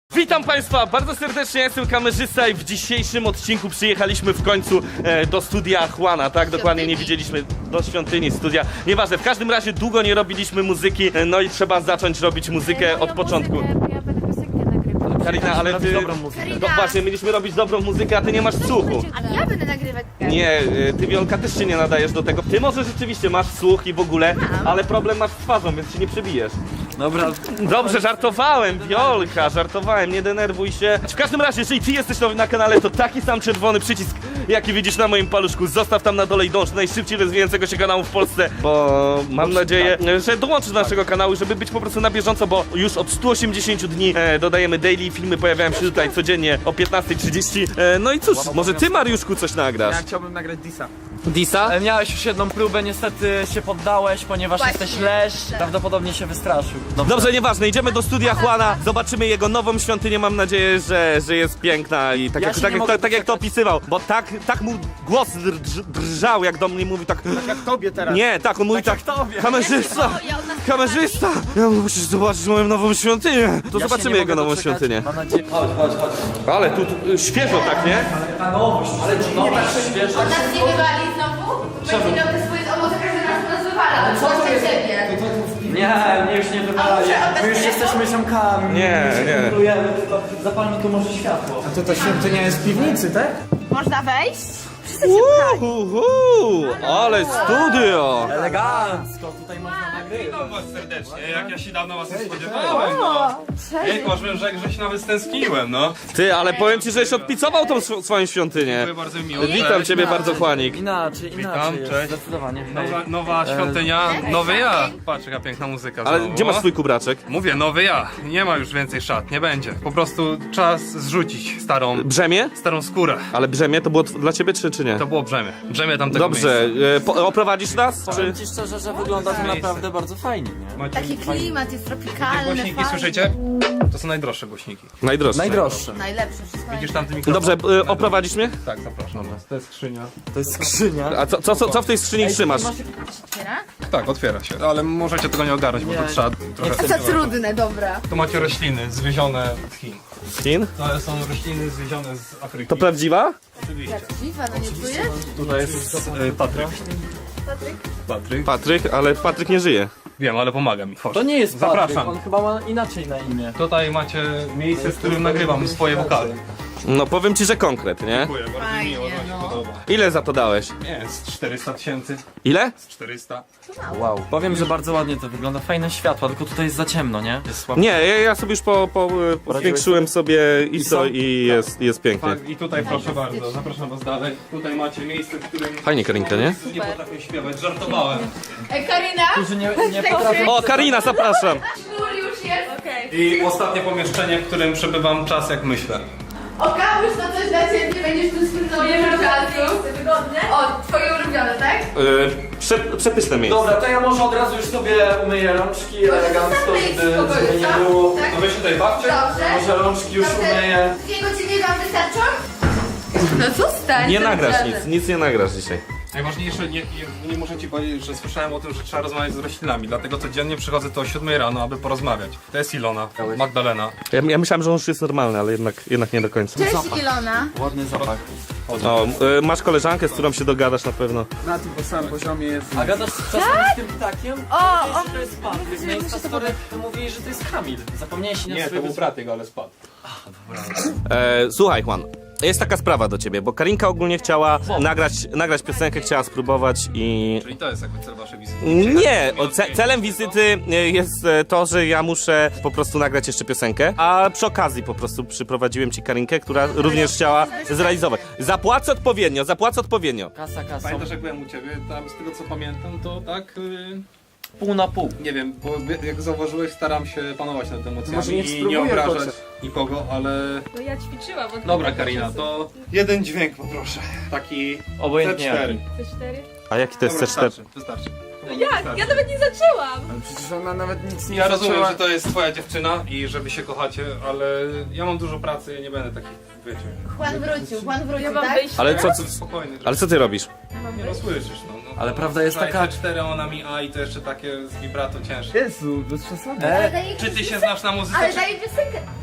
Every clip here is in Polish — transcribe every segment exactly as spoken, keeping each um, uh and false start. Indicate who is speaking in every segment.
Speaker 1: Witam Państwa bardzo serdecznie, ja jestem kamerzysta i w dzisiejszym odcinku przyjechaliśmy w końcu e, do studia Juana, tak? Dokładnie nie widzieliśmy do świątyni studia. Nieważne, w każdym razie długo nie robiliśmy muzyki, e, no i trzeba zacząć robić muzykę od początku.
Speaker 2: Ja będę piosenkę nagrywać.
Speaker 1: Karina, ale ty...
Speaker 3: dobrą muzykę.
Speaker 1: No właśnie, mieliśmy robić dobrą muzykę, a ty nie masz słuchu.
Speaker 2: A ja będę nagrywać.
Speaker 1: Nie, e, ty Wiolka też się nie nadajesz do tego. Ty może rzeczywiście masz słuch i w ogóle, ale problem masz z twarzą, więc się nie przebijesz.
Speaker 3: Dobra,
Speaker 1: Dobrze, żartowałem, Wiolka, żartowałem, nie denerwuj się. W każdym razie, jeżeli ty jesteś nowy na kanale, to taki sam czerwony przycisk, jaki widzisz na moim paluszku, zostaw tam na dole i dąż do najszybciej rozwijającego się kanału w Polsce, bo mam nadzieję, że dołączysz do naszego kanału, żeby być po prostu na bieżąco, bo już od stu osiemdziesięciu dni e, dodajemy daily, filmy pojawiają się tutaj codziennie o piętnastej trzydzieści. E, no i cóż, może ty, Mariuszku, coś nagrasz?
Speaker 3: ja chciałbym nagrać Disa.
Speaker 1: Disa?
Speaker 3: Ale miałeś już jedną próbę, niestety się poddałeś, ponieważ
Speaker 2: Właśnie.
Speaker 3: jesteś leż, prawdopodobnie się wystraszył. Dobrze.
Speaker 1: Dobrze, nieważne, idziemy do studia Juana, zobaczymy jego nową świątynię, mam nadzieję, że, że jest piękna i tak,
Speaker 3: Ja
Speaker 1: jak,
Speaker 3: się
Speaker 1: tak,
Speaker 3: nie
Speaker 1: jak,
Speaker 3: mogę
Speaker 1: tak, tak jak to
Speaker 3: doczekać.
Speaker 1: opisywał, bo tak, tak mu głos drż, drżał, jak do mnie mówi, tak...
Speaker 4: Tak jak tobie teraz.
Speaker 1: Nie, tak, on mówi tak,
Speaker 3: jak tobie.
Speaker 1: kamerzysta, kamerzysta, ja musisz zobaczyć moją nową świątynię. To
Speaker 3: Ja się
Speaker 1: zobaczymy
Speaker 3: nie
Speaker 1: jego
Speaker 3: mogę
Speaker 1: nową
Speaker 3: doczekać.
Speaker 1: świątynię.
Speaker 3: Mam nadzieję... Chodź, chodź, chodź.
Speaker 1: Ale tu, tu świeżo tak, nie?
Speaker 3: Ta nowość, ale dziwnie tak świeżo.
Speaker 2: On nas nie wywali znowu? Będzie miał te swoje owoce, każdy raz nas wywala. To co jest ciebie?
Speaker 3: Nie, nie, już nie wywalaj. My już jesteśmy ziomkami.
Speaker 1: Nie,
Speaker 3: my się
Speaker 1: nie.
Speaker 3: kumplujemy, tylko zapalmy tu może światło.
Speaker 4: A to ta świątynia jest w piwnicy, tak?
Speaker 2: Można wejść? Wszyscy się pchać.
Speaker 1: Uhuhu, ale studio!
Speaker 3: Elegancko, tutaj można nagrywać.
Speaker 5: Witam was serdecznie, jak ja się dawno was nie spodziewałem, no. Ej, powiem, że, że się nawet stęskniłem, no.
Speaker 1: Ty, ale powiem ci, żeś odpicował tą sw- swoją świątynię.
Speaker 5: Dziękuję bardzo miło.
Speaker 1: Witam
Speaker 5: Cześć.
Speaker 1: ciebie bardzo, Juanik.
Speaker 3: Inaczej, inaczej jest,
Speaker 5: cześć.
Speaker 3: zdecydowanie.
Speaker 5: Nowa, nowa świątynia, nowy ja. Patrz, jaka piękna muzyka
Speaker 1: Ale
Speaker 5: znowu.
Speaker 1: gdzie masz swój kubraczek?
Speaker 5: Mówię, nowy ja. Nie ma już więcej szat, nie będzie. Po prostu czas zrzucić starą,
Speaker 1: Brzemię?
Speaker 5: starą skórę.
Speaker 1: Ale brzemię to było tw- dla ciebie, czy, czy nie?
Speaker 5: To było brzemię. Brzemię tamtego
Speaker 1: Dobrze,
Speaker 5: miejsca.
Speaker 1: e, po, oprowadzisz nas? Czy...
Speaker 3: Powiem ci szczerze, że wygląda to naprawdę bardzo fajnie, nie?
Speaker 5: Macie
Speaker 2: Taki klimat jest
Speaker 5: te
Speaker 2: tropikalny,
Speaker 5: głośniki,
Speaker 2: fajny.
Speaker 5: słyszycie? To są najdroższe głośniki.
Speaker 1: Najdroższe.
Speaker 3: Najdroższe.
Speaker 2: Najlepszy, wszystko
Speaker 5: Widzisz
Speaker 2: najlepsze.
Speaker 5: tamty mikrofon?
Speaker 1: Dobrze, e, oprowadzisz mnie?
Speaker 5: Tak, zapraszam. To jest skrzynia.
Speaker 3: To jest skrzynia.
Speaker 1: A co, co, co, co w tej skrzyni trzymasz?
Speaker 2: Otwiera?
Speaker 5: Tak, otwiera się. Ale możecie tego nie ogarnąć, bo to trzeba trochę...
Speaker 2: Za trudne, dobra.
Speaker 5: Tu macie rośliny zwiezione z Chin.
Speaker 1: Chin?
Speaker 5: To są rośliny zwiezione z Afryki.
Speaker 1: To prawdziwa?
Speaker 5: Oczywiście.
Speaker 2: Dziwa, no nie czujesz?
Speaker 5: Tutaj jest e, Patryk.
Speaker 2: Patryk?
Speaker 5: Patryk.
Speaker 1: Patryk, ale Patryk nie żyje.
Speaker 5: Wiem, ale pomaga mi. Chodź.
Speaker 3: To nie jest Patryk,
Speaker 5: Zapraszam.
Speaker 3: on chyba ma inaczej na imię.
Speaker 5: Tutaj macie miejsce, w którym nagrywam swoje wokale.
Speaker 1: No powiem ci, że konkret, nie?
Speaker 5: Dziękuję, bardzo
Speaker 2: Fajnie,
Speaker 5: miło, że wam się
Speaker 2: no.
Speaker 5: podoba.
Speaker 1: Ile za to dałeś?
Speaker 5: Nie, z czterysta tysięcy.
Speaker 1: Ile?
Speaker 5: Z czterysta.
Speaker 3: Wow. Powiem, że bardzo ładnie to wygląda. Fajne światła, tylko tutaj jest za ciemno, nie? Jest słabo.
Speaker 1: Nie, ja, ja sobie już po, po, po zwiększyłem sobie I S O i jest, jest pięknie.
Speaker 5: Tak, i tutaj proszę bardzo, zapraszam was dalej. Tutaj macie miejsce, w którym
Speaker 1: Fajnie, Karinka, nie?
Speaker 5: nie potrafię śpiewać, żartowałem.
Speaker 2: Ej, Karina?
Speaker 3: Którzy nie, nie potrafią...
Speaker 1: O, Karina, zapraszam!
Speaker 2: Sznur już jest? Okej.
Speaker 5: I ostatnie pomieszczenie, w którym przebywam czas jak myślę.
Speaker 2: O, Kałuś, to coś dla ciebie, będziesz tu spędzał twoje czasu. Wygodne? O, twoje ulubione, tak?
Speaker 1: Yy, prze, przepyszne miejsce.
Speaker 3: Dobra, to ja może od razu już sobie umyję rączki elegancko, żeby, żeby nie było...
Speaker 2: Tak?
Speaker 5: No wy się tutaj bawcie?
Speaker 2: Dobrze.
Speaker 3: Może rączki już umyję.
Speaker 2: Dwie godziny wam wystarczą? No zostań.
Speaker 1: Nie
Speaker 2: to
Speaker 1: nagrasz
Speaker 2: radę.
Speaker 1: nic, nic nie nagrasz dzisiaj.
Speaker 5: Najważniejsze, nie, nie, nie muszę ci powiedzieć, że słyszałem o tym, że trzeba rozmawiać z roślinami, dlatego codziennie przychodzę tu o siódmej rano, aby porozmawiać. To jest Ilona, Magdalena.
Speaker 1: Ja, ja myślałem, że on już jest normalny, ale jednak, jednak nie do końca.
Speaker 2: Cześć, Ilona.
Speaker 3: Ładny zapach.
Speaker 1: O, yy, masz koleżankę, z którą się dogadasz na pewno.
Speaker 4: Na tym samym poziomie jest.
Speaker 3: A gadasz czasem z tym ptakiem?
Speaker 2: O,
Speaker 3: Mówisz,
Speaker 2: o,
Speaker 3: że to jest Patryk. No i story mówili, że to jest Kamil. Zapomniałeś na
Speaker 5: Nie, to
Speaker 3: swoje
Speaker 5: był brat jego, ale spadł.
Speaker 1: E, słuchaj, Juan, jest taka sprawa do ciebie, bo Karinka ogólnie chciała nagrać, nagrać piosenkę, chciała spróbować i...
Speaker 5: Czyli to jest jakby cel waszej wizyty.
Speaker 1: Nie, o, ce celem wizyty e, jest e, to, że ja muszę po prostu nagrać jeszcze piosenkę, a przy okazji po prostu przyprowadziłem ci Karinkę, która również chciała zrealizować. Zapłacę odpowiednio, zapłacę odpowiednio.
Speaker 3: Kasa, kasa.
Speaker 5: Pamiętasz jak byłem u ciebie, tam z tego co pamiętam, to tak... Yy...
Speaker 3: Pół na pół.
Speaker 5: Nie wiem, bo jak zauważyłeś, staram się panować nad emocjami
Speaker 4: Może niech
Speaker 5: i nie
Speaker 4: spróbuję
Speaker 5: obrażać
Speaker 4: chociaż.
Speaker 5: nikogo, ale...
Speaker 6: No ja ćwiczyłam. Od
Speaker 5: Dobra Karina, to jeden dźwięk poproszę. Taki
Speaker 3: Obojętnie
Speaker 5: C cztery.
Speaker 3: jaki.
Speaker 6: C cztery?
Speaker 1: A jaki to jest
Speaker 5: Dobra,
Speaker 1: C cztery?
Speaker 5: wystarczy, wystarczy.
Speaker 6: No jak? Ja nawet nie zaczęłam!
Speaker 4: Ale przecież ona nawet nic nie
Speaker 5: Ja rozumiem,
Speaker 4: zaczęła.
Speaker 5: że to jest twoja dziewczyna i że wy się kochacie, ale ja mam dużo pracy i nie będę takich, wiecie...
Speaker 2: Juan wrócił, Juan wrócił,
Speaker 6: Ja mam
Speaker 2: tak?
Speaker 6: wyjść
Speaker 1: Ale co,
Speaker 6: teraz?
Speaker 1: co,
Speaker 5: Spokojnie.
Speaker 1: ale co ty robisz?
Speaker 5: Nie no, słyszysz, no. no
Speaker 3: Ale prawda jest
Speaker 5: Słuchaj,
Speaker 3: taka-
Speaker 5: C cztery ona mi A i to jeszcze takie z vibrato cięższe.
Speaker 4: Jezu, bez przesady.
Speaker 2: Ale
Speaker 3: E,
Speaker 2: daje
Speaker 5: Czy ty się znasz na muzyce?
Speaker 2: Ale
Speaker 5: czy...
Speaker 2: daje piosenkę.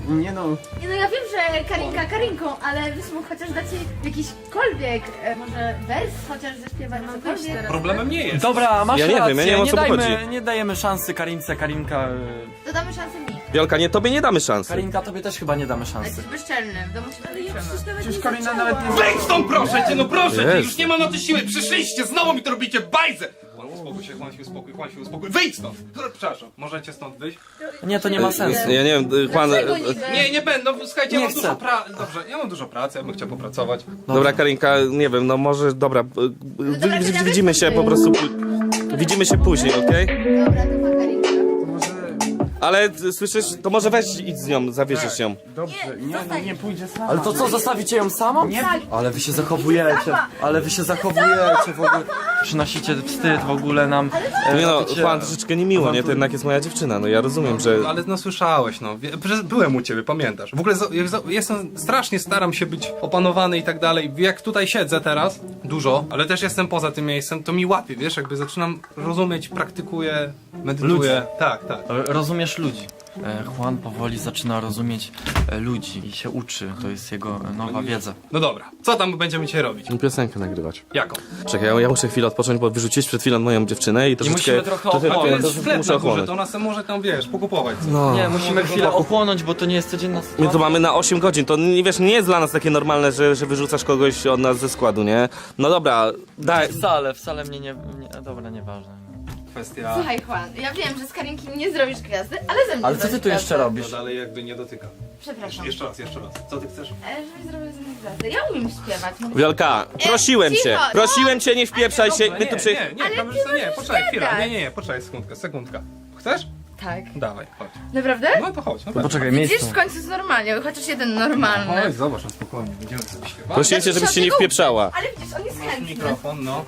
Speaker 4: Nie no,
Speaker 2: Nie no, ja wiem, że Karinka Karinką, ale byś mógł chociaż dać jej jakiśkolwiek, e, może wers chociaż zaśpiewać, cokolwiek.
Speaker 5: Problemem nie jest.
Speaker 7: Dobra, masz
Speaker 1: Ja nie
Speaker 7: rację,
Speaker 1: wiem, ja nie wiem, o co
Speaker 7: dajmy,
Speaker 1: chodzi.
Speaker 7: nie dajemy szansy Karince, Karinka... y,
Speaker 2: To damy szansę mi.
Speaker 1: Wiolka, nie, tobie nie damy szansy.
Speaker 7: Karinka, tobie też chyba nie damy
Speaker 2: Ale
Speaker 7: szansy.
Speaker 2: jesteś bezczelny, w domu się ale ja przecież nawet
Speaker 4: przecież
Speaker 2: nie
Speaker 4: Karina
Speaker 2: zaczęłam.
Speaker 4: nawet nie...
Speaker 5: Wejdź stąd, proszę cię, no proszę cię,
Speaker 1: Jest.
Speaker 5: już nie mam na to siły, przyszliście, znowu mi to robicie, bajzę! Juan, uspokój się, Juan się uspokój, Juan się uspokój, wyjdź stąd! Przepraszam, możecie stąd wyjść?
Speaker 7: Nie, to nie ma sensu.
Speaker 1: Ja nie wiem, Juan...
Speaker 2: Dlaczego niby?
Speaker 5: Nie, nie będę, no słuchajcie, ja
Speaker 7: Nie
Speaker 5: mam
Speaker 7: chcę.
Speaker 5: dużo pracy, dobrze, ja mam dużo pracy, ja bym chciał popracować.
Speaker 1: Dobra, Karinka, nie wiem, no może, dobra, wy-
Speaker 2: dobra,
Speaker 1: wy-
Speaker 2: to
Speaker 1: widzimy się po prostu... Widzimy się później, okej?
Speaker 2: Dobra, to ma Karinka.
Speaker 4: Może...
Speaker 1: Ale ty słyszysz, to może weź idź z nią, zawieziesz ją.
Speaker 4: Dobrze, nie, no nie pójdzie sama.
Speaker 7: Ale to co, zostawicie ją samą?
Speaker 4: Nie.
Speaker 7: Ale wy się zachowujecie, ale wy się zachowujecie w ogóle. Przynosicie wstyd w ogóle nam. e,
Speaker 1: Nie no,
Speaker 7: robicie-
Speaker 1: Juan, troszeczkę niemiło, nie? To jednak jest moja dziewczyna, no ja rozumiem, że...
Speaker 5: Ale no słyszałeś, no, wie- że byłem u ciebie, pamiętasz. W ogóle za- jak za- jestem, strasznie staram się być opanowany i tak dalej. Jak tutaj siedzę teraz, dużo, ale też jestem poza tym miejscem, to mi łapie, wiesz, jakby zaczynam rozumieć, praktykuję, medytuję. Tak, tak.
Speaker 7: E, Rozumiesz ludzi. E, Juan powoli zaczyna rozumieć e, ludzi i się uczy. To jest jego e, nowa wiedza.
Speaker 5: No dobra, co tam będziemy dzisiaj robić?
Speaker 1: Piosenkę nagrywać.
Speaker 5: Jaką?
Speaker 1: Czekaj, ja, ja muszę chwilę odpocząć, bo wyrzuciłeś przed chwilą moją dziewczynę i troszeczkę...
Speaker 7: musimy trochę
Speaker 1: trochę-
Speaker 7: ochłonąć.
Speaker 5: To jest
Speaker 1: troszeczkę
Speaker 5: sklep
Speaker 1: muszę
Speaker 5: na górze,
Speaker 1: ochłonąć.
Speaker 5: to ona se może tam, wiesz, pokupować coś.
Speaker 1: No.
Speaker 7: Nie, musimy chwilę ochłonąć, bo to nie jest codzienna
Speaker 1: My
Speaker 7: sytuacja.
Speaker 1: to mamy na osiem godzin, to nie wiesz, nie jest dla nas takie normalne, że, że wyrzucasz kogoś od nas ze składu, nie? No dobra, daj...
Speaker 7: Wcale, wcale mnie nie... nie dobra, nieważne.
Speaker 5: Kwestia...
Speaker 2: Słuchaj Juan, ja wiem, że z Karinki nie zrobisz gwiazdy, ale ze mnie
Speaker 7: Ale co ty
Speaker 2: zrobisz
Speaker 7: tu jeszcze
Speaker 2: gwiazdę.
Speaker 7: robisz?
Speaker 5: No dalej jakby nie dotyka.
Speaker 2: Przepraszam.
Speaker 5: Jeszcze raz, jeszcze raz. Co ty chcesz?
Speaker 2: E, żebyś zrobił ze mnie gwiazdę. Ja umiem śpiewać. Mogę...
Speaker 1: Wiolka, prosiłem
Speaker 2: cicho,
Speaker 1: cię,
Speaker 2: no.
Speaker 1: prosiłem cię, nie wpieprzaj się,
Speaker 5: Dobra,
Speaker 1: my tu
Speaker 5: nie,
Speaker 1: przy...
Speaker 5: nie, nie,
Speaker 2: Ale
Speaker 5: kamerzysta,
Speaker 2: ty
Speaker 5: nie,
Speaker 2: możesz
Speaker 5: poczekaj chwilę,
Speaker 2: gadać.
Speaker 5: nie, nie, nie, poczekaj sekundkę, sekundka. Chcesz?
Speaker 2: Tak.
Speaker 5: Dawaj, chodź.
Speaker 2: Naprawdę?
Speaker 5: No to chodź, no tak.
Speaker 7: Poczekaj,
Speaker 2: Widzisz,
Speaker 7: miejsce.
Speaker 2: w końcu jest normalnie, chociaż jeden normalny.
Speaker 5: Chodź, zobacz, no spokojnie, będziemy sobie śpiewać.
Speaker 1: Prosiłem cię, żebyś się nie wpieprzała.
Speaker 2: Ale widzisz, on jest chętny.
Speaker 5: Mikrofon, no.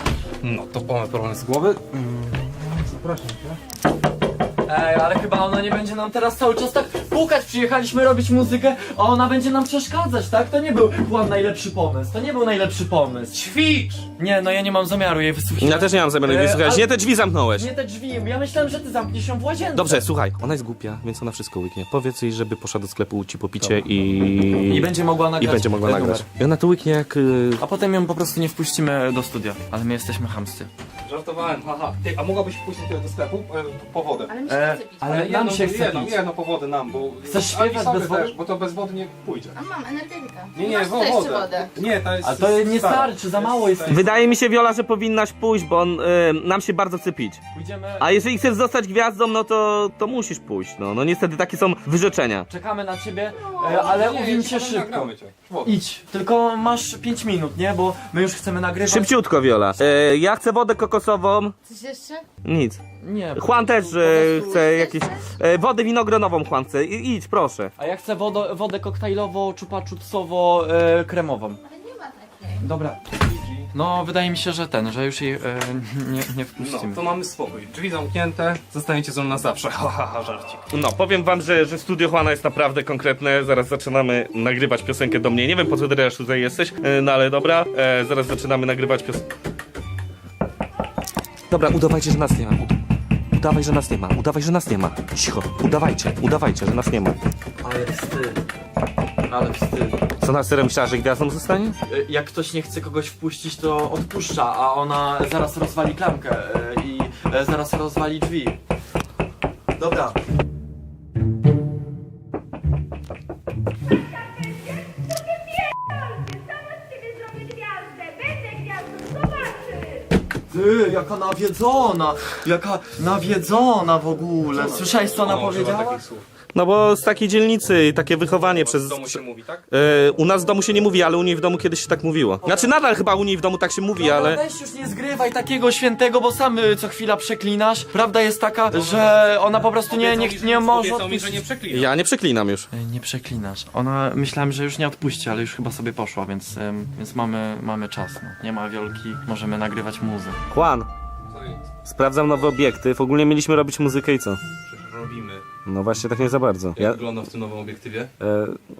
Speaker 5: No to mamy problem z głowy. Zapraszam cię.
Speaker 7: Ej, ale chyba ona nie będzie nam teraz cały czas tak pukać. Przyjechaliśmy robić muzykę, a ona będzie nam przeszkadzać, tak? To nie był Juan najlepszy pomysł, to nie był najlepszy pomysł.
Speaker 5: Ćwicz!
Speaker 7: Nie, no ja nie mam zamiaru jej wysłuchać.
Speaker 1: Ja też nie mam zamiaru jej
Speaker 7: E,
Speaker 1: wysłuchać,
Speaker 7: ale-
Speaker 1: nie te drzwi zamknąłeś.
Speaker 7: Nie te drzwi, ja myślałem, że ty zamkniesz ją w łazience.
Speaker 1: Dobrze, słuchaj, ona jest głupia, więc ona wszystko łyknie. Powiedz jej, żeby poszła do sklepu ci po picie i...
Speaker 7: I będzie mogła nagrać
Speaker 1: I będzie mogła
Speaker 7: e,
Speaker 1: nagrać.
Speaker 7: numer.
Speaker 1: I ona to łyknie jak... y,
Speaker 7: A potem ją po prostu nie wpuścimy do studia. Ale my jesteśmy chamscy.
Speaker 5: Żartowałem, haha. Ty, a mogłabyś pójść tutaj do sklepu e, po wodę?
Speaker 2: Ale mi się
Speaker 7: E,
Speaker 2: chce pić.
Speaker 7: ale nam
Speaker 5: jedną,
Speaker 7: się chce
Speaker 5: jedną,
Speaker 7: pić.
Speaker 5: jedną po wodę nam, bo...
Speaker 7: Chcesz
Speaker 5: a i
Speaker 7: śpiewać
Speaker 5: sobie
Speaker 7: bez wody?
Speaker 5: też, bo to bez wody nie pójdzie.
Speaker 2: A mam energetyka.
Speaker 5: Nie, nie,
Speaker 2: Masz
Speaker 5: wo-
Speaker 2: tutaj jeszcze
Speaker 5: wodę.
Speaker 2: wodę.
Speaker 5: Nie, to jest...
Speaker 7: Ale to nie
Speaker 5: stara.
Speaker 7: starczy, za mało jest.
Speaker 1: Wydaje mi się, Wiola, że powinnaś pójść, bo on, y, nam się bardzo chce pić.
Speaker 7: Pójdziemy...
Speaker 1: A jeżeli chcesz zostać gwiazdą, no to, to musisz pójść, no. No niestety takie są wyrzeczenia.
Speaker 7: Czekamy na ciebie, e, ale
Speaker 5: Nie,
Speaker 7: uwiń
Speaker 5: nie,
Speaker 7: się
Speaker 5: nie,
Speaker 7: szybko.
Speaker 5: nagramy cię. Wodę.
Speaker 7: Idź, tylko masz pięć minut, nie? Bo my już chcemy nagrywać.
Speaker 1: Szybciutko, Wiola. E, ja chcę wodę kokosową.
Speaker 2: Coś jeszcze?
Speaker 1: Nic.
Speaker 7: Nie. po
Speaker 1: Juan też
Speaker 7: prostu-
Speaker 1: e,
Speaker 7: po prostu-
Speaker 1: chce jakieś... E, wodę winogronową Juan chce. I, idź, proszę.
Speaker 7: A ja chcę wodę, wodę koktajlowo, czupa-czupsowo, e, kremową.
Speaker 2: Ale nie ma takiej.
Speaker 7: Dobra. No, wydaje mi się, że ten, że już jej e, nie, nie wpuścimy.
Speaker 5: No, to mamy spokój. Drzwi zamknięte, zostaniecie ze mną na zawsze. Ha, ha, ha, żarcik.
Speaker 1: No, powiem wam, że, że studio Juana jest naprawdę konkretne. Zaraz zaczynamy nagrywać piosenkę do mnie. Nie wiem, po co ty też tutaj jesteś, e, no ale dobra. E, zaraz zaczynamy nagrywać piosenkę. Dobra, udawajcie, że nas nie ma. Ud- Udawaj, że nas nie ma. Udawaj, że nas nie ma. Cicho. Udawajcie, udawajcie, że nas nie ma.
Speaker 7: Ale wstyd. Ale wstyd.
Speaker 1: Co na serio myślała, że gwiazdą zostanie?
Speaker 7: E, Jak ktoś nie chce kogoś wpuścić, to odpuszcza, a ona zaraz rozwali klamkę e, i e, zaraz rozwali drzwi. Dobra. Ty, jaka nawiedzona! Jaka nawiedzona w ogóle! Słyszałeś, co ona
Speaker 5: Ona używa
Speaker 7: powiedziała?
Speaker 5: takich słów.
Speaker 1: No bo z takiej dzielnicy i takie wychowanie przez...
Speaker 5: W domu się mówi, tak?
Speaker 1: E, u nas w domu się nie mówi, ale u niej w domu kiedyś się tak mówiło. Znaczy nadal chyba u niej w domu tak się mówi,
Speaker 7: Dobra,
Speaker 1: ale...
Speaker 7: weź już nie zgrywaj takiego świętego, bo sam y, co chwila przeklinasz. Prawda jest taka, że ona po prostu nie, nie, nie może
Speaker 5: Obiecał mi, że
Speaker 7: odpuścić.
Speaker 5: nie przeklina.
Speaker 1: Ja nie przeklinam już.
Speaker 7: Ej, Nie przeklinasz. Ona, myślałem, że już nie odpuści, ale już chyba sobie poszła, więc, ym, więc mamy, mamy czas. No. Nie ma wiolki, możemy nagrywać muzę.
Speaker 1: Juan,
Speaker 5: Co jest?
Speaker 1: sprawdzam nowy obiektyw. Ogólnie mieliśmy robić muzykę i co?
Speaker 5: Przecież robimy.
Speaker 1: No właśnie tak nie za bardzo.
Speaker 5: Jak
Speaker 1: Ja...
Speaker 5: wygląda w tym nowym obiektywie?
Speaker 1: E,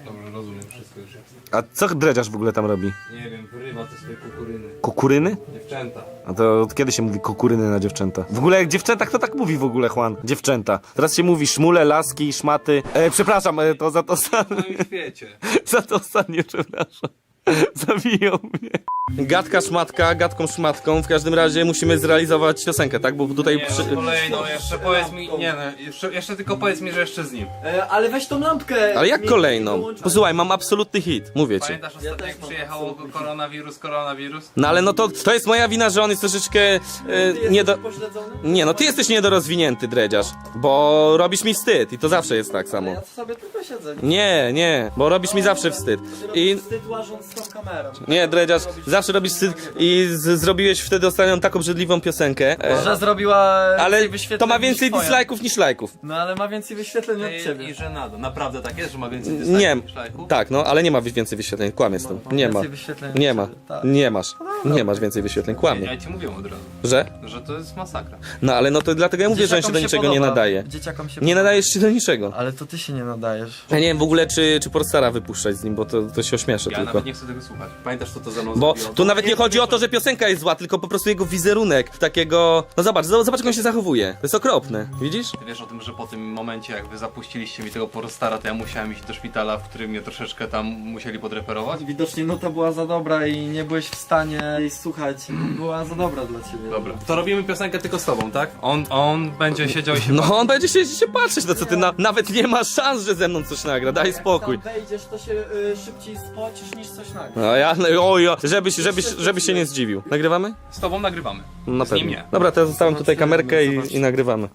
Speaker 5: Dobrze, rozumiem, wszystko już jest.
Speaker 1: A co dredziarz w ogóle tam robi?
Speaker 5: Nie wiem, wyrywa te swoje kukuryny.
Speaker 1: Kukuryny?
Speaker 5: Dziewczęta.
Speaker 1: A to od kiedy się mówi kukuryny na dziewczęta? W ogóle jak dziewczęta, kto tak mówi w ogóle, Juan? Dziewczęta. Teraz się mówi szmule, laski, szmaty. E, przepraszam, e, to za to ostatnie.
Speaker 5: No i świecie.
Speaker 1: Za to ostatnie, przepraszam. Zabiją mnie. Gadka szmatka, gadką szmatką. W każdym razie musimy zrealizować piosenkę, tak? Bo tutaj
Speaker 5: Nie,
Speaker 1: przy...
Speaker 5: no kolejną, jeszcze powiedz mi, nie no, jeszcze, jeszcze tylko powiedz mi, że jeszcze z nim.
Speaker 7: E, ale weź tą lampkę.
Speaker 1: Ale jak
Speaker 7: mi-
Speaker 1: kolejną?
Speaker 7: dołącz-
Speaker 1: Posłuchaj, mam absolutny hit, mówię ci.
Speaker 5: Pamiętasz ostatnio jak przyjechał koronawirus, koronawirus?
Speaker 1: No ale no to, to jest moja wina, że on jest troszeczkę e,
Speaker 7: Ty
Speaker 1: nie do...
Speaker 7: jesteś pośledzony?
Speaker 1: Nie, no ty jesteś niedorozwinięty, dredziarz. Bo robisz mi wstyd i to zawsze jest tak samo.
Speaker 7: Ja to sobie tylko siedzę.
Speaker 1: Nie, nie, bo robisz mi zawsze wstyd.
Speaker 7: I...
Speaker 1: I...
Speaker 7: Wstyd łażąc z tą kamerą.
Speaker 1: Nie, dredziarz, zawsze robisz wstyd i z, zrobiłeś wtedy ostatnią tak obrzydliwą piosenkę. E,
Speaker 7: Że zrobiła
Speaker 1: ale
Speaker 7: więcej wyświetleń
Speaker 1: to ma
Speaker 7: niż
Speaker 1: więcej
Speaker 7: twoja.
Speaker 1: dislike'ów niż lajków.
Speaker 7: No ale ma więcej wyświetleń od ciebie.
Speaker 5: I że nada. Naprawdę tak jest, że ma więcej
Speaker 1: Nie,
Speaker 5: niż lajków?
Speaker 1: tak, no, ale nie ma więcej wyświetleń, kłamie z tym. Nie ma,
Speaker 7: Więcej wyświetleń od
Speaker 1: nie ma,
Speaker 7: ciebie, tak.
Speaker 1: nie masz, nie masz więcej wyświetleń, kłamie.
Speaker 5: Ja ci mówiłem od razu,
Speaker 1: Że?
Speaker 5: że to jest masakra.
Speaker 1: No ale no to dlatego ja mówię, że on się do
Speaker 7: Dzieciakom
Speaker 1: niczego nie
Speaker 7: podoba.
Speaker 1: nadaje.
Speaker 7: Dzieciakom się
Speaker 1: Nie
Speaker 7: podoba.
Speaker 1: nadajesz się do niczego.
Speaker 7: Ale to ty się nie nadajesz.
Speaker 1: Ja nie wiem w ogóle, czy, czy Portstara wypuszczać z nim, bo to, to się ośmieszę
Speaker 5: Ja
Speaker 1: tylko.
Speaker 5: nawet nie chcę tego słuchać. Pamiętasz co to za mną
Speaker 1: Bo
Speaker 5: zrobiło?
Speaker 1: tu nawet nie chodzi o to, że piosenka jest zła, tylko po prostu jego wizerunek takiego... No zobacz, zobacz jak on się zachowuje. To jest okropne, widzisz?
Speaker 5: Ty wiesz o tym, że po tym momencie jak wy zapuściliście mi tego Porostara, to ja musiałem iść do szpitala, w którym mnie troszeczkę tam musieli podreperować?
Speaker 7: Widocznie nuta była za dobra i nie byłeś w stanie jej słuchać. Była za dobra dla ciebie.
Speaker 5: Dobra. To robimy piosenkę tylko z tobą, tak? On, on będzie siedział i się...
Speaker 1: No on będzie się, się patrzeć, no co ty, na, nawet nie ma szans, że ze mną coś nagra, daj spokój.
Speaker 7: Jak tam wejdziesz, to się y, szybciej spocisz niż coś nagra.
Speaker 1: No ja, no, oj, oj, żebyś, żebyś, żebyś się nie zdziwił. Nagrywamy?
Speaker 5: Z tobą nagrywamy.
Speaker 1: No na
Speaker 5: Z nim
Speaker 1: pewno.
Speaker 5: nie.
Speaker 1: Dobra, to ja zostawiam tutaj kamerkę i, i nagrywamy.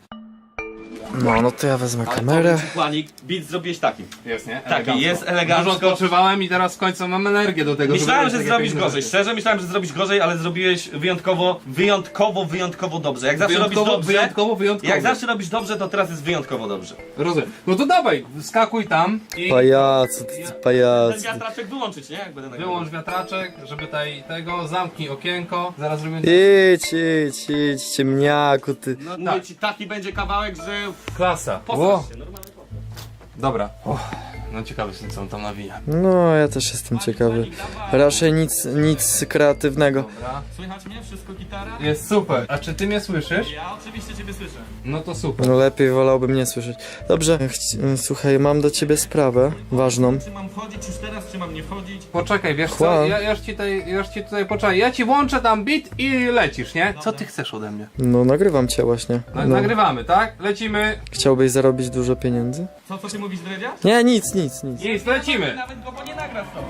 Speaker 7: No, no to ja wezmę kamerę.
Speaker 1: Przykładnik, beat zrobiłeś taki.
Speaker 5: Jest, nie?
Speaker 1: Taki, jest elegancko.
Speaker 5: Dużo odpoczywałem i teraz w końcu mam energię do tego,
Speaker 1: Myślałem,
Speaker 5: żeby
Speaker 1: że
Speaker 5: robić takie
Speaker 1: zrobisz
Speaker 5: piękne
Speaker 1: gorzej,
Speaker 5: rzeczy.
Speaker 1: szczerze myślałem, że zrobisz gorzej, ale zrobiłeś wyjątkowo, wyjątkowo, wyjątkowo dobrze. Jak zawsze robisz
Speaker 5: Wyjątkowo,
Speaker 1: dobrze,
Speaker 5: wyjątkowo, wyjątkowo.
Speaker 1: jak zawsze robisz dobrze, to teraz jest wyjątkowo dobrze.
Speaker 5: Rozumiem. No to dawaj, skakuj tam i
Speaker 7: Pajacu, ty
Speaker 1: Ten
Speaker 7: pajacu.
Speaker 1: wiatraczek wyłączyć, nie? Jak będę nagrywał.
Speaker 5: wyłącz wiatraczek, żeby tutaj tego, zamknij okienko, zaraz robimy...
Speaker 7: Idź, idź, idź, ciemniaku, ty.
Speaker 1: No, mówię
Speaker 5: tak.
Speaker 1: ci, taki będzie kawałek, że
Speaker 5: Klasa.
Speaker 1: posrasz się, normalnie.
Speaker 5: Dobra. No ciekawy jestem, co on tam nawija.
Speaker 7: No, ja też jestem ciekawy. Raczej nic, nic kreatywnego.
Speaker 5: Dobra.
Speaker 1: Słychać mnie? Wszystko gitara?
Speaker 5: Jest super. A czy ty mnie słyszysz?
Speaker 1: Ja oczywiście ciebie słyszę.
Speaker 5: No to super.
Speaker 7: No lepiej wolałbym nie słyszeć. Dobrze, chci- słuchaj, mam do ciebie sprawę ważną.
Speaker 1: Czy mam wchodzić już teraz, czy mam nie wchodzić?
Speaker 5: Poczekaj, wiesz co,
Speaker 7: Juan.
Speaker 5: ja, ja, już ci tutaj, ja już ci tutaj poczekaj, ja ci włączę tam beat i lecisz, nie? Co ty chcesz ode mnie?
Speaker 7: No, nagrywam cię właśnie.
Speaker 5: Na,
Speaker 7: No.
Speaker 5: Nagrywamy, tak? Lecimy.
Speaker 7: Chciałbyś zarobić dużo pieniędzy?
Speaker 1: Co, co ty mówisz, Dredzia?
Speaker 7: Nie, nic, nic, nic.
Speaker 5: Nic, lecimy.
Speaker 1: Nawet go, bo nie nagra z tobą.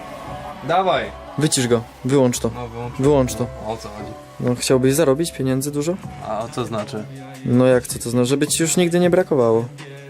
Speaker 5: Dawaj.
Speaker 7: Wycisz go, wyłącz to.
Speaker 5: No wyłącz.
Speaker 7: Wyłącz to.
Speaker 5: O co chodzi?
Speaker 7: No, chciałbyś zarobić pieniędzy dużo?
Speaker 5: A co znaczy?
Speaker 7: No jak co to znaczy? Żeby ci już nigdy nie brakowało.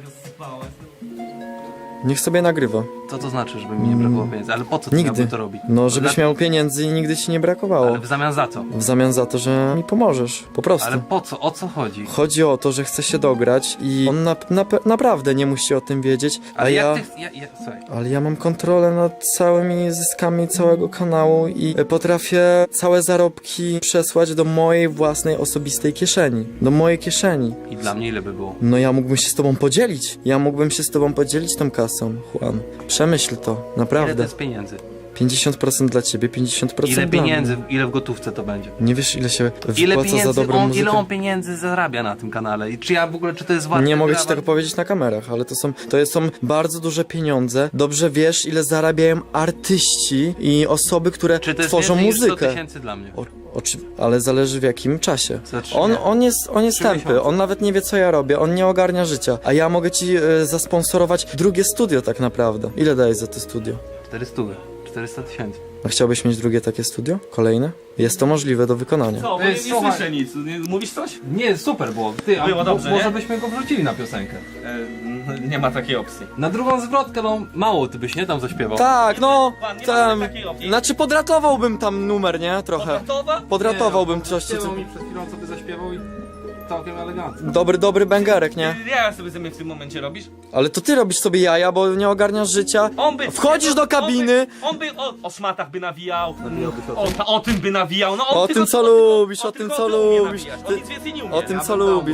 Speaker 7: Niech sobie nagrywa.
Speaker 5: Co to znaczy, żeby mi nie brakowało pieniędzy? Ale po co ty
Speaker 7: Nigdy.
Speaker 5: miałby to robić?
Speaker 7: No, żebyś
Speaker 5: Dla-
Speaker 7: miał pieniędzy i nigdy ci nie brakowało.
Speaker 5: Ale w zamian za co?
Speaker 7: W zamian za to, że mi pomożesz. Po prostu.
Speaker 5: Ale po co? O co chodzi?
Speaker 7: Chodzi o to, że chce się dograć i on na, na, naprawdę nie musi o tym wiedzieć, a
Speaker 5: Ale
Speaker 7: ja...
Speaker 5: jak ty... Ja, ja, słuchaj.
Speaker 7: Ale ja mam kontrolę nad całymi zyskami całego kanału i potrafię całe zarobki przesłać do mojej własnej osobistej kieszeni. Do mojej kieszeni.
Speaker 5: I dla mnie ile by było?
Speaker 7: No ja mógłbym się z tobą podzielić. Ja mógłbym się z tobą podzielić tą kasą, Juan. Przemyśl to,
Speaker 5: Ile to
Speaker 7: naprawdę.
Speaker 5: jest pieniędzy?
Speaker 7: pięćdziesiąt procent dla ciebie, pięćdziesiąt procent
Speaker 5: Ile
Speaker 7: dla
Speaker 5: pieniędzy,
Speaker 7: mnie.
Speaker 5: ile w gotówce to będzie?
Speaker 7: Nie wiesz ile się
Speaker 5: Ile
Speaker 7: wypłaca za
Speaker 5: pieniędzy,
Speaker 7: dobrą
Speaker 5: on,
Speaker 7: muzykę?
Speaker 5: ile on pieniędzy zarabia na tym kanale? I czy ja w ogóle, czy to jest warte?
Speaker 7: Nie mogę ci
Speaker 5: brawa?
Speaker 7: tego powiedzieć na kamerach, ale to są, to są bardzo duże pieniądze. Dobrze wiesz, ile zarabiają artyści i osoby, które
Speaker 5: Czy to jest
Speaker 7: tworzą
Speaker 5: więcej niż sto
Speaker 7: muzykę.
Speaker 5: tysięcy dla mnie?
Speaker 7: O, oczy, ale zależy w jakim czasie.
Speaker 5: Za trzy
Speaker 7: On,
Speaker 5: miesiące.
Speaker 7: on jest, on jest
Speaker 5: Trzy
Speaker 7: tępy,
Speaker 5: miesiące.
Speaker 7: on nawet nie wie co ja robię, on nie ogarnia życia. A ja mogę ci y, zasponsorować drugie studio tak naprawdę. Ile dajesz za to studio?
Speaker 5: czterysta, czterysta tysięcy.
Speaker 7: A chciałbyś mieć drugie takie studio? Kolejne? Jest to możliwe do wykonania.
Speaker 1: Co, bo
Speaker 5: Ej,
Speaker 1: nie, nie
Speaker 5: słuchaj.
Speaker 1: słyszę nic. Nie, mówisz coś?
Speaker 5: Nie, super było. Ty, a
Speaker 1: Było
Speaker 5: mo-
Speaker 1: dobrze,
Speaker 5: może
Speaker 1: nie?
Speaker 5: byśmy go wrzucili na piosenkę.
Speaker 1: E, nie ma takiej opcji.
Speaker 5: Na drugą zwrotkę, no mało ty byś nie tam zaśpiewał.
Speaker 7: Tak, no,
Speaker 1: Pan, nie
Speaker 7: tam,
Speaker 1: mamy takiej opcji.
Speaker 7: znaczy podratowałbym tam numer, nie? Trochę.
Speaker 1: Gotowa?
Speaker 7: Podratowałbym
Speaker 5: Nie,
Speaker 7: coś, co...
Speaker 5: zaśpiewał mi przed chwilą, co by zaśpiewał i całkiem elegancko.
Speaker 7: Dobry, dobry bęgarek, nie?
Speaker 1: Ja sobie ze mnie w tym momencie robisz?
Speaker 7: Ale to ty robisz sobie jaja, bo nie ogarniasz życia.
Speaker 1: On by...
Speaker 7: Wchodzisz do kabiny.
Speaker 1: On by, on by o, o szmatach by nawijał. O, ta, o tym by nawijał. No, on
Speaker 7: O
Speaker 1: tylko-
Speaker 7: tym, co
Speaker 1: tylko-
Speaker 7: lubisz, o tym,
Speaker 1: tylko
Speaker 7: co
Speaker 1: to umie
Speaker 7: lubisz.
Speaker 1: nawijać.
Speaker 7: Ty-
Speaker 1: On nic więcej nie umie.
Speaker 7: O tym,
Speaker 5: Ja
Speaker 7: co
Speaker 5: bym dał mu
Speaker 7: lubisz.
Speaker 5: szansę.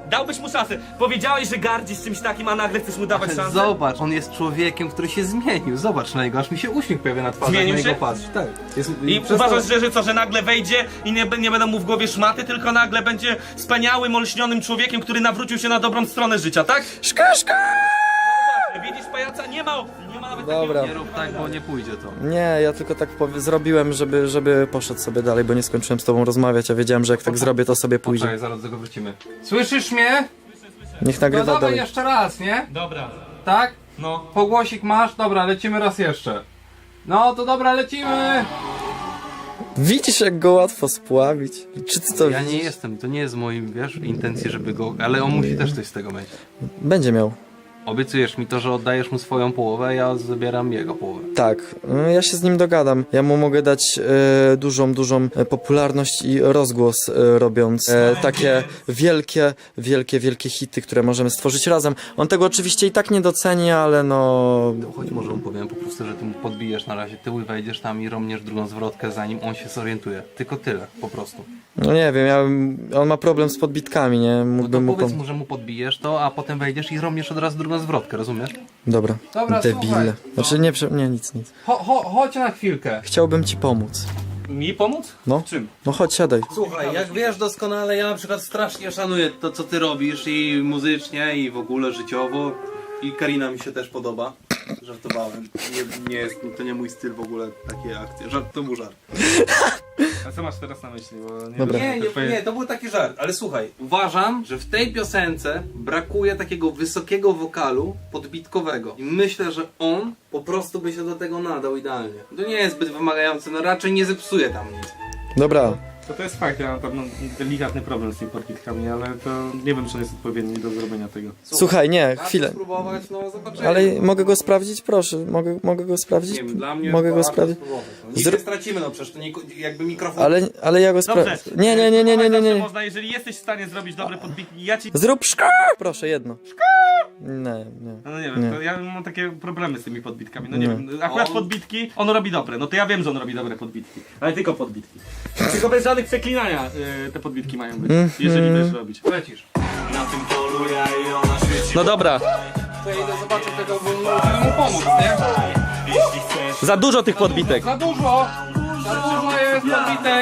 Speaker 1: Dałbyś mu szansę. Powiedziałeś, że gardzisz czymś takim, a nagle chcesz mu dawać szansę?
Speaker 5: Zobacz, on jest człowiekiem, który się zmienił. Zobacz na niego, aż mi się uśmiech pojawia na twarzy.
Speaker 1: Zmienił
Speaker 5: jak na
Speaker 1: się?
Speaker 5: niego patrz. Tak. Jest,
Speaker 1: I
Speaker 5: przez
Speaker 1: uważasz,
Speaker 5: to-
Speaker 1: że, że co, że nagle wejdzie i nie, nie będą mu w głowie szmaty, tylko nagle będzie wspaniałym, olśnionym człowiekiem, który nawrócił się na dobrą stronę życia, tak?
Speaker 8: Szka, szka!
Speaker 1: No widzisz, pajaca? Nie ma opcji, nie ma nawet
Speaker 8: Dobra.
Speaker 1: takiego...
Speaker 5: Nie rób tak, bo nie pójdzie to.
Speaker 8: Nie, ja tylko tak powie- zrobiłem, żeby, żeby poszedł sobie dalej, bo nie skończyłem z tobą rozmawiać, a wiedziałem, że jak tak zrobię, to sobie pójdzie.
Speaker 5: Poczekaj, zaraz do tego wrócimy. Słyszysz mnie?
Speaker 8: Niech
Speaker 5: No
Speaker 8: nagrywa
Speaker 5: dawaj
Speaker 8: dalej.
Speaker 5: jeszcze raz, nie?
Speaker 1: Dobra,
Speaker 5: Tak?
Speaker 1: no.
Speaker 5: Pogłosik masz? Dobra, lecimy raz jeszcze. No to dobra, lecimy!
Speaker 8: Widzisz, jak go łatwo spławić? Czy ty to
Speaker 5: Ja nie
Speaker 8: widzisz?
Speaker 5: jestem, to nie jest moim, wiesz, intencji, żeby go... Ale on musi też coś z tego mieć.
Speaker 8: Będzie miał.
Speaker 5: Obiecujesz mi to, że oddajesz mu swoją połowę, a ja zabieram jego połowę.
Speaker 8: Tak, y, ja się z nim dogadam. Ja mu mogę dać e, dużą, dużą e, popularność i rozgłos, e, robiąc e, takie wielkie, wielkie, wielkie hity, które możemy stworzyć razem. On tego oczywiście i tak nie doceni, ale no...
Speaker 5: Choć może mu powiem po prostu, że ty mu podbijesz na razie tył i wejdziesz tam i romniesz drugą zwrotkę, zanim on się zorientuje. Tylko tyle, po prostu.
Speaker 8: No nie wiem, ja, on ma problem z podbitkami, nie?
Speaker 5: No to
Speaker 8: Mógłbym mu
Speaker 5: powiedz
Speaker 8: pom-
Speaker 5: mu, że mu podbijesz to, a potem wejdziesz i romniesz od razu drugą zwrotkę, rozumiesz?
Speaker 8: Dobra,
Speaker 5: Dobra,
Speaker 8: debile.
Speaker 5: słuchaj.
Speaker 8: Znaczy nie, prze- nie, nic, nic.
Speaker 5: Cho, cho, chodź na chwilkę.
Speaker 8: Chciałbym ci pomóc.
Speaker 1: Mi pomóc?
Speaker 8: No,
Speaker 1: W czym?
Speaker 8: no chodź, siadaj.
Speaker 5: Słuchaj, jak wiesz doskonale, ja na przykład strasznie szanuję to, co ty robisz i muzycznie, i w ogóle życiowo. I Karina mi się też podoba. Żartowałem. Nie, nie jest, to nie mój styl w ogóle, takie akcje. Żart, to był żart.
Speaker 1: A co masz teraz na myśli? Bo nie
Speaker 8: Dobra.
Speaker 1: wiem,
Speaker 5: Nie,
Speaker 1: to
Speaker 5: nie,
Speaker 1: twoje-
Speaker 5: nie, to był taki żart, ale słuchaj, uważam, że w tej piosence brakuje takiego wysokiego wokalu podbitkowego. I myślę, że on po prostu by się do tego nadał idealnie. To nie jest zbyt wymagające, no raczej nie zepsuje tam nic.
Speaker 8: Dobra,
Speaker 1: To to jest fakt, ja mam pewno delikatny problem z tymi podbitkami, ale to nie wiem, czy on jest odpowiedni do zrobienia tego.
Speaker 8: słuchaj, nie,
Speaker 5: Warto
Speaker 8: chwilę.
Speaker 5: spróbować, no zobaczymy.
Speaker 8: Ale mogę go sprawdzić? Proszę, mogę, mogę go sprawdzić?
Speaker 5: Nie wiem, dla mnie
Speaker 8: Mogę go
Speaker 5: warto
Speaker 8: sprawdzić?
Speaker 5: spróbować. No, nic
Speaker 8: Zró-
Speaker 5: nie stracimy, no przecież to nie, jakby mikrofon...
Speaker 8: Ale, ale ja go sprawdzę.
Speaker 1: Dobrze.
Speaker 8: Nie, nie, nie, nie, nie, nie,
Speaker 1: Zawsze
Speaker 8: nie.
Speaker 1: Można, jeżeli jesteś w stanie zrobić dobre podbitki, ja ci...
Speaker 8: Zrób szka! Proszę, jedno. Nie, nie.
Speaker 1: No nie wiem,
Speaker 8: Nie.
Speaker 1: To ja mam takie problemy z tymi podbitkami, no nie
Speaker 8: Nie.
Speaker 1: wiem, akurat
Speaker 5: On-
Speaker 1: podbitki, on robi dobre, no to ja wiem, że on robi dobre podbitki, ale tylko podbitki. Tylko bez żadnych przeklinania y, te podbitki mają być, jeżeli wiesz robić.
Speaker 5: Lecisz.
Speaker 1: No dobra,
Speaker 5: To ja idę zobaczyć tego, bo musimy mu pomóc, nie?
Speaker 1: za dużo tych podbitek.
Speaker 5: Za dużo! Za dużo jest podbitek!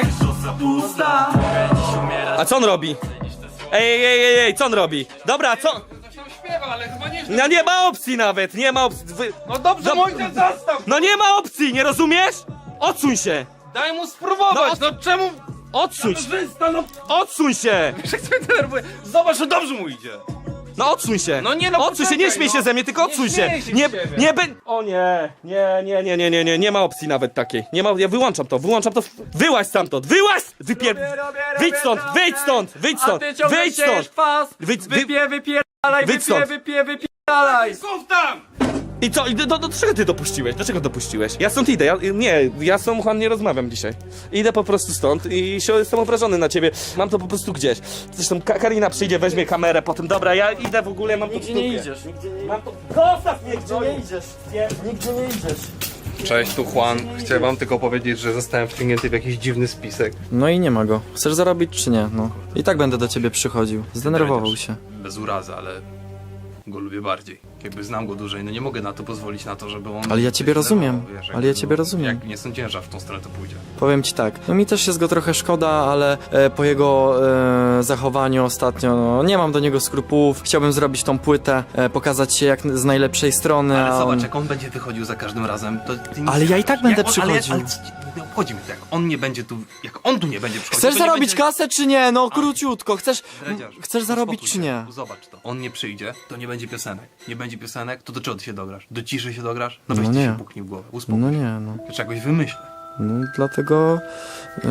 Speaker 1: A co on robi? Ej, ej, ej, ej, co on robi? Dobra, co?
Speaker 5: Coś tam śpiewa, ale chyba nie...
Speaker 1: No nie ma opcji nawet, nie ma opcji. Wy...
Speaker 5: No dobrze,
Speaker 1: Dob-
Speaker 5: mój ten zastaw!
Speaker 1: No nie ma opcji, nie rozumiesz? Odsuń się!
Speaker 5: Daj mu spróbować, no, czemu...
Speaker 1: Odsuń się!
Speaker 5: Kamerzysta, no
Speaker 1: Odsuń się!
Speaker 5: jak mnie denerwuje. Zobacz, że dobrze mu idzie.
Speaker 1: No odsuń się!
Speaker 5: No nie, no
Speaker 1: Odsuń się, nie
Speaker 5: poczekaj,
Speaker 1: śmiej się
Speaker 5: no.
Speaker 1: ze mnie, tylko
Speaker 5: Nie
Speaker 1: odsuń się!
Speaker 5: śmieję się
Speaker 1: Nie,
Speaker 5: z ciebie.
Speaker 1: nie, be... O nie, nie, nie, nie, nie, nie, nie, nie ma opcji nawet takiej. Nie ma, ja wyłączam to, wyłączam to. Wyłaź stamtąd, wyłaź! Wypier... Wyjdź stąd, wyjdź stąd, wyjdź stąd, wyjdź stąd!
Speaker 7: kwas!
Speaker 1: Wyjdź, wy...
Speaker 7: Wypie, wypierdalaj,
Speaker 1: Wyjdź
Speaker 7: wypie,
Speaker 1: stąd.
Speaker 7: wypie, wypierdalaj!
Speaker 5: Słów tam!
Speaker 1: I co, i do, do, do czego ty dopuściłeś? Dlaczego dopuściłeś? Ja stąd idę, ja, nie, ja z tą Juan nie rozmawiam dzisiaj. Idę po prostu stąd i się, jestem obrażony na ciebie. Mam to po prostu gdzieś. Zresztą Ka Karina przyjdzie, weźmie kamerę potem. Dobra, ja idę w ogóle, mam to w
Speaker 8: Nigdzie nie
Speaker 1: dupie.
Speaker 8: idziesz, nigdzie nie,
Speaker 1: Mam to... Zostaw mnie,
Speaker 8: nigdzie nie idziesz. Nigdzie nie idziesz.
Speaker 5: Cześć, tu Juan. Chciałem wam tylko powiedzieć, że zostałem wciągnięty w jakiś dziwny spisek.
Speaker 8: No i nie ma go. Chcesz zarobić czy nie? No. I tak będę do ciebie przychodził. Zdenerwował się.
Speaker 5: Bez urazy, ale go lubię bardziej. Jakby znam go dłużej, no nie mogę na to pozwolić na to, żeby on...
Speaker 8: Ale ja ciebie
Speaker 5: coś zdenerwował,
Speaker 8: rozumiem.
Speaker 5: wiesz,
Speaker 8: Ale ja
Speaker 5: jakby,
Speaker 8: ciebie
Speaker 5: no,
Speaker 8: rozumiem.
Speaker 5: Jak nie sądziłem, że aż w tą stronę to pójdzie.
Speaker 8: Powiem ci tak, no mi też jest go trochę szkoda, ale e, po jego e, zachowaniu ostatnio, no, nie mam do niego skrupułów. Chciałbym zrobić tą płytę, e, pokazać się jak z najlepszej strony,
Speaker 5: Ale
Speaker 8: a
Speaker 5: zobacz,
Speaker 8: on...
Speaker 5: jak on będzie wychodził za każdym razem, to ty nie
Speaker 8: Ale ja i tak będę
Speaker 5: jak on,
Speaker 8: przychodził.
Speaker 5: Ale, ale co ci- nie obchodzi mnie to, jak on nie będzie tu, jak on tu nie będzie przychodził.
Speaker 8: Chcesz
Speaker 5: to nie
Speaker 8: zarobić
Speaker 5: będzie...
Speaker 8: kasę czy nie? No króciutko, chcesz...
Speaker 5: Dredziarz,
Speaker 8: Chcesz zarobić
Speaker 5: uspokój
Speaker 8: czy
Speaker 5: się.
Speaker 8: nie?
Speaker 5: Zobacz to. On nie przyjdzie, to nie będzie piosenek. Nie będzie piosenek, to do czego ty się dograsz? Do ciszy się dograsz? No weź
Speaker 8: No
Speaker 5: ty
Speaker 8: nie.
Speaker 5: się puknij w głowę. Uspokój
Speaker 8: No
Speaker 5: się.
Speaker 8: nie, no.
Speaker 5: To czegoś wymyślę.
Speaker 8: No dlatego... y,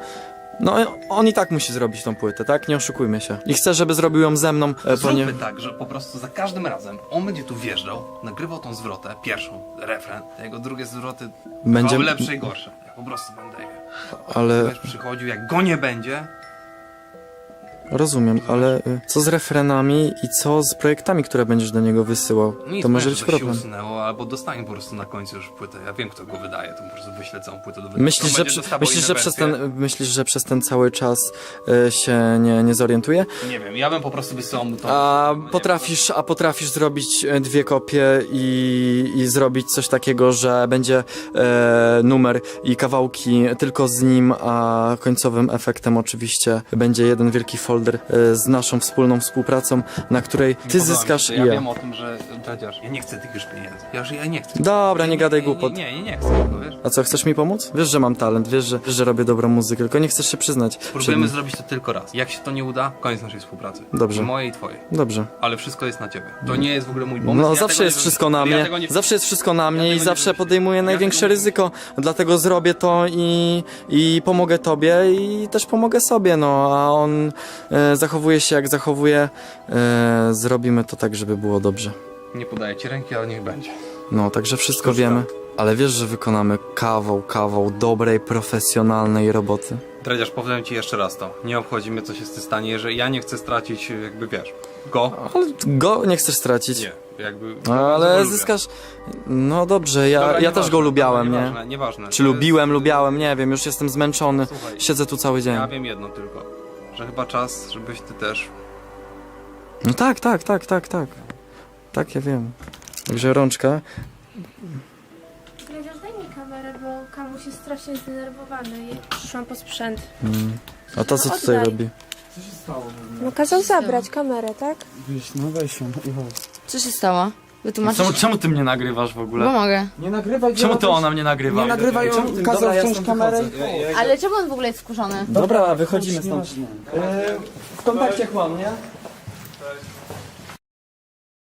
Speaker 8: no on i tak musi zrobić tą płytę, tak? Nie oszukujmy się. I chcę, żeby zrobił ją ze mną, e,
Speaker 5: Zróbmy
Speaker 8: ponie...
Speaker 5: tak, że po prostu za każdym razem on będzie tu wjeżdżał, nagrywał tą zwrotę, pierwszą, refren, a jego drugie zwroty
Speaker 8: Będzie-
Speaker 5: będzie lepsze i gorsze. Ja po prostu będę je.
Speaker 8: Ale...
Speaker 5: Będziesz przychodził, jak go nie będzie,
Speaker 8: rozumiem, ale y, co z refrenami i co z projektami, które będziesz do niego wysyłał?
Speaker 5: Nic,
Speaker 8: To może
Speaker 5: nie,
Speaker 8: być
Speaker 5: żeby się
Speaker 8: problem.
Speaker 5: usunęło, albo dostanie po prostu na końcu już płytę. Ja wiem, kto go wydaje, to po prostu wyślę całą płytę do wydania.
Speaker 8: Myślisz,
Speaker 5: On
Speaker 8: że,
Speaker 5: będzie
Speaker 8: przy,
Speaker 5: dostawał
Speaker 8: myślisz,
Speaker 5: inne
Speaker 8: że przez
Speaker 5: wersje.
Speaker 8: ten, myślisz, że przez ten cały czas y, się nie, nie zorientuje?
Speaker 5: Nie wiem, ja bym po prostu wysyłał mu to.
Speaker 8: A
Speaker 5: no nie
Speaker 8: potrafisz, a potrafisz zrobić e, dwie kopie i, i zrobić coś takiego, że będzie e, numer i kawałki tylko z nim, a końcowym efektem oczywiście będzie jeden wielki folder e, z naszą wspólną współpracą, na której
Speaker 5: Nie
Speaker 8: ty
Speaker 5: podoba mi się
Speaker 8: zyskasz
Speaker 5: to.
Speaker 8: i
Speaker 5: Ja
Speaker 8: ja.
Speaker 5: wiem o tym, że Dredziarz, ja nie chcę tych już pieniędzy. Ja, że ja nie chcę.
Speaker 8: Dobra, nie gadaj
Speaker 5: nie,
Speaker 8: głupot.
Speaker 5: Nie, nie, nie chcę tego, wiesz?
Speaker 8: A co, chcesz mi pomóc? Wiesz, że mam talent, wiesz, że, wiesz, że robię dobrą muzykę, tylko nie chcesz się przyznać. przed
Speaker 5: Próbujemy
Speaker 8: nim.
Speaker 5: zrobić to tylko raz. Jak się to nie uda, koniec naszej współpracy.
Speaker 8: Dobrze.
Speaker 5: Mojej i twojej.
Speaker 8: Dobrze.
Speaker 5: Ale wszystko jest na ciebie. To nie jest w ogóle mój pomysł.
Speaker 8: No
Speaker 5: Ja
Speaker 8: zawsze
Speaker 5: tego
Speaker 8: jest
Speaker 5: nie
Speaker 8: wszystko na
Speaker 5: wymyśliłem. Ja
Speaker 8: mnie,
Speaker 5: tego nie-
Speaker 8: zawsze jest wszystko na mnie
Speaker 5: tego
Speaker 8: i
Speaker 5: nie
Speaker 8: zawsze
Speaker 5: wymyśliłem.
Speaker 8: podejmuję
Speaker 5: Ja
Speaker 8: największe
Speaker 5: tego nie
Speaker 8: ryzyko, dlatego zrobię to i, i pomogę tobie i też pomogę sobie, no a on e, zachowuje się jak zachowuje, e, zrobimy to tak, żeby było dobrze.
Speaker 5: Nie podaję ci ręki, ale niech będzie.
Speaker 8: No, także wszystko
Speaker 5: Cóż
Speaker 8: wiemy, ale wiesz, że wykonamy kawał, kawał dobrej, profesjonalnej roboty.
Speaker 5: Dredziarz, powiem ci jeszcze raz to. Nie obchodzi mnie, co się z tym stanie, jeżeli ja nie chcę stracić, jakby wiesz, go.
Speaker 8: Ale go nie chcesz stracić.
Speaker 5: Nie, jakby...
Speaker 8: No,
Speaker 5: bardzo go
Speaker 8: ale
Speaker 5: lubię.
Speaker 8: zyskasz. No dobrze, ja,
Speaker 5: Dobra,
Speaker 8: ja
Speaker 5: nieważne,
Speaker 8: też go lubiałem,
Speaker 5: dobra,
Speaker 8: nie?
Speaker 5: Nieważne, nieważne.
Speaker 8: Czy
Speaker 5: To jest-
Speaker 8: lubiłem, lubiałem, nie wiem, już jestem zmęczony.
Speaker 5: Słuchaj,
Speaker 8: Siedzę tu cały dzień.
Speaker 5: ja wiem jedno tylko, że chyba czas, żebyś ty też...
Speaker 8: No tak, tak, tak, tak, tak. Tak, ja wiem. Także rączka.
Speaker 9: Dredziarz, daj mi kamerę, bo Kamuś jest strasznie zdenerwowany i przyszłam po sprzęt.
Speaker 8: Mm. A ta co
Speaker 9: No,
Speaker 8: tutaj
Speaker 9: oddaj.
Speaker 8: robi?
Speaker 4: Co się stało?
Speaker 9: No kazał zabrać kamerę, tak?
Speaker 4: Weź, no weź ją i chodź.
Speaker 10: Co się stało? Wytłumaczysz?
Speaker 7: Czemu, czemu ty mnie nagrywasz w ogóle?
Speaker 10: Bo mogę.
Speaker 4: Nie nagrywaj
Speaker 7: Czemu ty
Speaker 4: ona
Speaker 7: ona mnie nagrywa?
Speaker 4: Nie nagrywaj,
Speaker 8: Czemu
Speaker 4: on
Speaker 8: ty-
Speaker 4: kazał
Speaker 8: Dobra, ja
Speaker 4: wziąć
Speaker 8: stąd
Speaker 4: kamerę i
Speaker 8: wychodzę.
Speaker 4: chodź.
Speaker 2: Ale czemu on w ogóle jest skurzony?
Speaker 8: Dobra, wychodzimy
Speaker 4: Już
Speaker 8: stąd.
Speaker 4: nieważne.
Speaker 8: W kontakcie chłam, nie?